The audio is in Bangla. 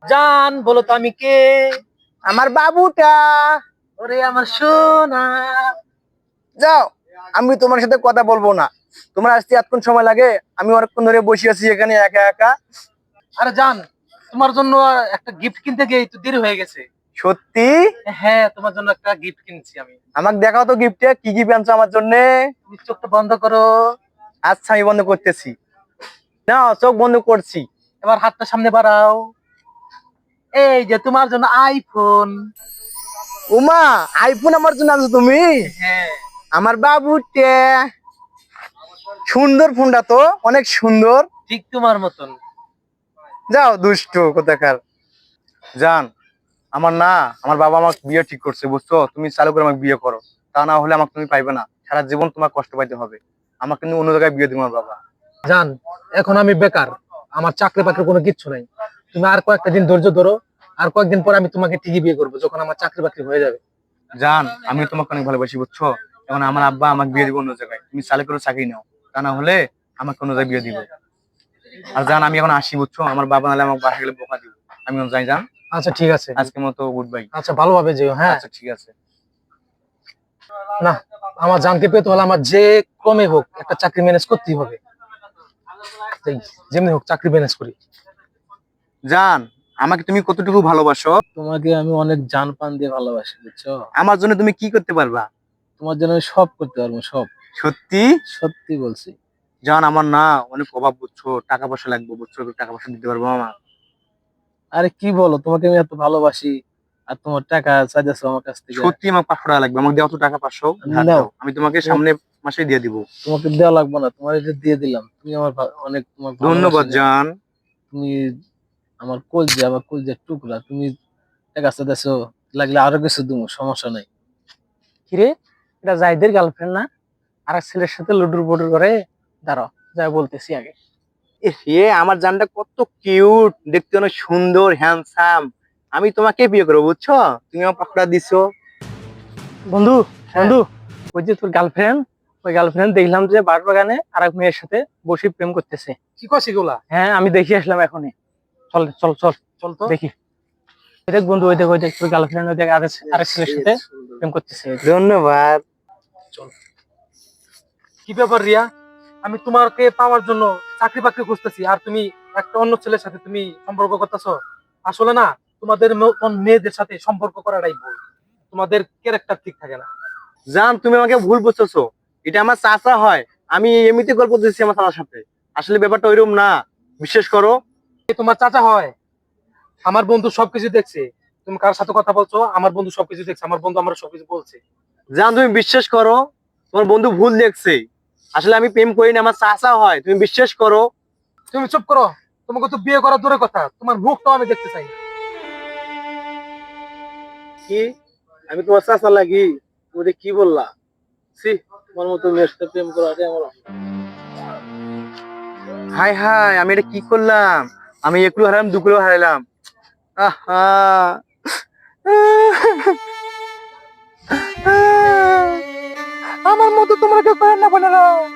জান বলো তো আমি কে? আমার বাবুটা। ওরে আমার সোনা। যাও, আমি তোমার সাথে কথা বলবো না। তোমার আসতে এতক্ষণ সময় লাগে, আমি অনেকক্ষণ ধরে বসে আছি এখানে একা একা। আরে জান, তোমার জন্য একটা গিফট কিনতে গিয়ে একটু দেরি হয়ে গেছে। সত্যি? হ্যাঁ, তোমার জন্য একটা গিফট কিনছি আমি। আমাকে দেখাও তো গিফটে কি কি আনছো আমার জন্য। তুমি চোখটা বন্ধ করো। আচ্ছা, আমি বন্ধ করতেছি। না, চোখ বন্ধ করছি। এবার হাতটা সামনে বাড়াও। এই যে তোমার জন্য আইফোন। উমা, আইফোন আমার জন্য আনছো তুমি? হ্যাঁ। আমার বাবুটে। সুন্দর ফোনটা তো, অনেক সুন্দর। ঠিক তোমার মতন। যাও দুষ্টু কোথাকার। জান, আমার না, আমার বাবা আমাকে বিয়ে ঠিক করছে বুঝছো, তুমি চালু করে আমাকে বিয়ে করো। তা না হলে আমাকে তুমি পাইবে না, সারা জীবন তোমার কষ্ট পাইতে হবে। আমাকে কিন্তু অন্য জায়গায় বিয়ে দিবে আমার বাবা। জান, এখন আমি বেকার, আমার চাকরি বাকরি কোনো কিচ্ছু নাই। তুমি আর কয়েকটা দিন ধৈর্য ধরো, আর কয়েকদিন পর আমি তোমাকে ঠিকই বিয়ে করবো, যখন আমার চাকরি বাকরি হয়ে যাবে। জান, আমি তোমাকে অনেক ভালোবাসি বুঝছো। এখন আমার আব্বা আমাকে বিয়ে দিবে অন্য জায়গায়, তুমি চালু করে চাকরি নাও। তা না হলে আমাকে অন্য জায়গায় বিয়ে দিবে। আর জান, আমি এখন আসি বুঝছো, আমার বাবা নাহলে আমাকে বাসা গেলে বোকা দিবে। আমি এখন যাই জান। আচ্ছা ঠিক আছে। আজকের মতো গুড বাই। আচ্ছা, ভালোভাবে যেও। হ্যাঁ। আচ্ছা ঠিক আছে। না, আমার জানকে পেতে হলে আমার যে ক্রমে হোক একটা চাকরি ম্যানেজ করতেই হবে। তাই যেমনি হোক চাকরি ম্যানেজ করি। জান, আমাকে তুমি কতটুকু ভালোবাসো? তোমাকে আমি অনেক জান প্রাণ দিয়ে ভালোবাসি, বুঝছো? আমার জন্য তুমি কি করতে পারবা? তোমার জন্য আমি সব করতে পারবো, সব। সত্যি? সত্যি বলছি। জান, আমার না অনেক অভাব বুঝছো, টাকা পয়সা লাগবে বুঝছো, একটু টাকা পয়সা দিতে পারবো আমার? আরে কি বলো, তোমাকে আমি এত ভালোবাসি আর তোমার টাকা চাইতেছো আমার কাছ থেকে? সত্যি আমার 500 টাকা লাগবে, আমাকে দেওয়া তো টাকা 500 ধার নাও। দাও, আমি তোমাকে তোমার- সামনে মাসে দিয়ে দিব। তোমাকে দেওয়া লাগবে না, তোমার এটা দিয়ে দিলাম। তুমি আমার অনেক তোমার ভালোবাসি ধন্যবাদ না? জান। তুমি আমার কলজে, আমার কলজের টুকরা। তুমি টাকা চাইতেছো, লাগলে আরো কিছু দিব, সমস্যা নাই। কিরে, এটা জাহিদের গার্লফ্রেন্ড না? আর এক ছেলের সাথে লুডুর বুডুর করে। দাঁড়াও, যাই বলতেছি আগে। এ আমার জানটা কত কিউট, দেখতে অনেক সুন্দর হ্যান্ডসাম। আমি তোমাকে বিয়ে করবো বুঝছো, তুমি আমার 500 টাকা দিছো। বন্ধু, হ্যাঁ। বন্ধু, ওই যে তোর গার্লফ্রেন্ড, ওই গার্লফ্রেন্ড দেখলাম যে বাগানে আর এক মেয়ের সাথে বসে প্রেম করতেছে। কি কস এগুলা? হ্যাঁ, আমি দেখি আসলাম এখনই। চল চল চল চল তো দেখি। ওই দেখ বন্ধু, ওই দেখ, ওই দেখ তোর গার্লফ্রেন্ড, ওই দেখ আরেক ছেলের সাথে প্রেম করতেছে। ধন্যবাদ। চল। কি ব্যাপার রিয়া, আমি তোমাকে পাওয়ার জন্য চাকরি বাকরি খুঁজতেছি, আর তুমি একটা অন্য ছেলের সাথে তুমি সম্পর্ক করতেছো? আসলে না, তোমাদের মেয়েদের সাথে সম্পর্ক করাটাই ভুল। তোমাদের ক্যারেক্টার ঠিক থাকে না। জান, তুমি আমাকে ভুল বুঝতেছো। এটা আমার চাচা হয়। আমি এমনিতে গল্প দিচ্ছি আমার চাচার সাথে। আসলে ব্যাপারটা ওইরকম না, বিশ্বাস করো। এ তোমার চাচা হয়? আমার বন্ধু সবকিছু দেখছে। তুমি কার সাথে কথা বলছো? আমার বন্ধু সবকিছু দেখছে, আমার বন্ধু আমার সবকিছু বলছে। জান, তুমি বিশ্বাস করো, তোমার বন্ধু ভুল দেখছে। আসলে আমি প্রেম করি না, আমার চাচা হয়, তুমি বিশ্বাস করো। তুমি চুপ করো। তোমাকে তো বিয়ে করা দূরের কথা, তোমার মুখটাও আমি দেখতে চাই না। কি, আমি তোমার চাচা লাগি? তুমি কি বললা? ছি, তোমার মতো মেয়ের সাথে প্রেম করাটা আমার। হাই হাই, আমি এটা কি করলাম? আমি একটু হারালাম, দুকুলো হারালাম। আহা। আমার মতো তোমরা কেউ করেন না বোনেরা।